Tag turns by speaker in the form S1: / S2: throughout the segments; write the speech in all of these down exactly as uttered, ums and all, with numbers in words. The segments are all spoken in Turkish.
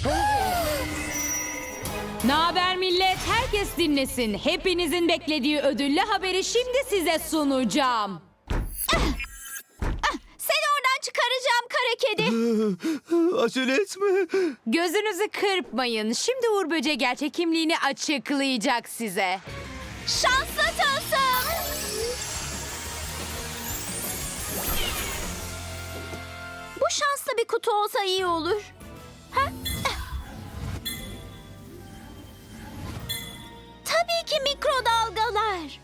S1: Naber millet? Herkes dinlesin. Hepinizin beklediği ödüllü haberi şimdi size sunacağım.
S2: Seni oradan çıkaracağım kara kedi.
S3: Acele etme.
S1: Gözünüzü kırpmayın. Şimdi Uğur Böceği gerçek kimliğini açıklayacak size.
S2: Şanslı tılsım. Bu şanslı bir kutu olsa iyi olur. Ha? Tabii ki mikrodalgalar.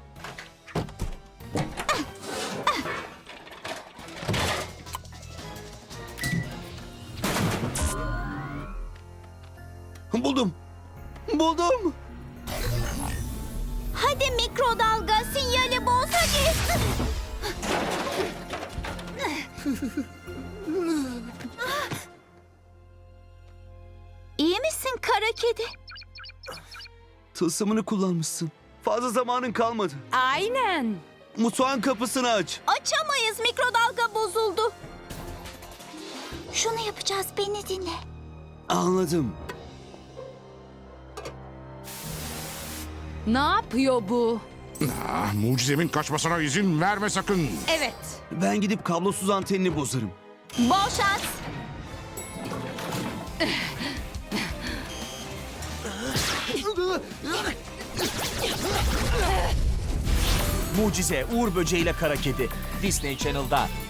S3: Buldum. Buldum.
S2: Hadi mikrodalga sinyali boz hadi. İyi misin kara kedi?
S3: Tılsımını kullanmışsın. Fazla zamanın kalmadı.
S1: Aynen.
S3: Mutfağın kapısını aç.
S2: Açamayız, mikrodalga bozuldu. Şunu yapacağız, beni dinle.
S3: Anladım.
S1: Ne yapıyor bu?
S4: Ah, mucizemin kaçmasına izin verme sakın.
S1: Evet.
S3: Ben gidip kablosuz antenini bozarım.
S2: Bol şans.
S5: Mucize, Uğur Böceği ile Kara Kedi. Disney Channel'da.